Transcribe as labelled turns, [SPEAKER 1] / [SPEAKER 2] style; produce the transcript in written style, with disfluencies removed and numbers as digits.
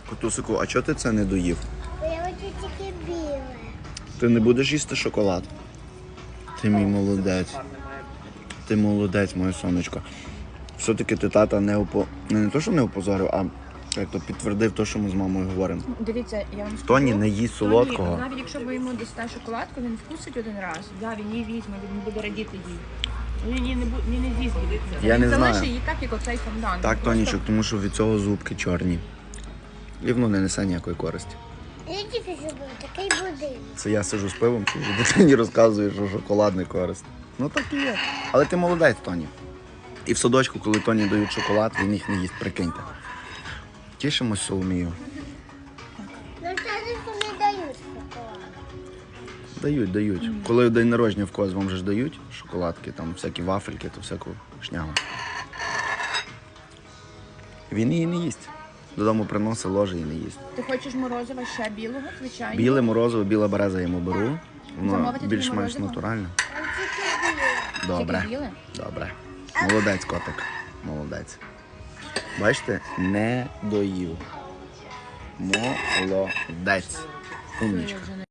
[SPEAKER 1] Котусику, а чого ти це не доїв?
[SPEAKER 2] Бо я хочу тільки біле.
[SPEAKER 1] Ти не будеш їсти шоколад? Ти мій молодець. Ти молодець, моє сонечко. Все-таки ти тата не то, що не опозорив, а як то підтвердив те, що ми з мамою говоримо.
[SPEAKER 3] Дивіться, я вам скажу.
[SPEAKER 1] Тоні не їсть солодкого.
[SPEAKER 3] Тоні, навіть якщо ви йому дасте шоколадку, він вкусить один раз. Да, він її візьме, він буде радіти їй. Він не з'їсть буде.
[SPEAKER 1] Я не
[SPEAKER 3] Він
[SPEAKER 1] знаю.
[SPEAKER 3] залишить її так, як оцей фондан.
[SPEAKER 1] Так,
[SPEAKER 3] Він
[SPEAKER 1] Тонічок,
[SPEAKER 3] просто-
[SPEAKER 1] тому що від цього зубки чорні. І воно не несе ніякої користі.
[SPEAKER 2] Я тільки зробила такий будинок.
[SPEAKER 1] Це я сижу з пивом, і дитині розказую, що шоколад не користь. Ну так і є. Але ти молодець, Тоні. І в садочку, коли Тоні дають шоколад, він їх не їсть, прикиньте. Тішимось Соломію.
[SPEAKER 2] Нам садочку не дають шоколад.
[SPEAKER 1] Дають. Коли день народження в когось вам же ж дають шоколадки, там всякі вафельки, то всяку шнягу. Він її не їсть. Додому приносить, ложе і не їсть.
[SPEAKER 3] Ти хочеш морозива ще білого, звичайно?
[SPEAKER 1] Біле морозиво, біла береза я йому беру. Воно
[SPEAKER 3] Замовити тобі
[SPEAKER 1] більш-менш
[SPEAKER 3] морозиво?
[SPEAKER 1] натуральне.
[SPEAKER 2] Там тільки біле.
[SPEAKER 1] Добре.
[SPEAKER 3] Тільки біле?
[SPEAKER 1] Добре. Молодець, котик. Молодець. Бачите, не доїв. Молодець.
[SPEAKER 3] Це
[SPEAKER 1] Умнічка.
[SPEAKER 3] вже не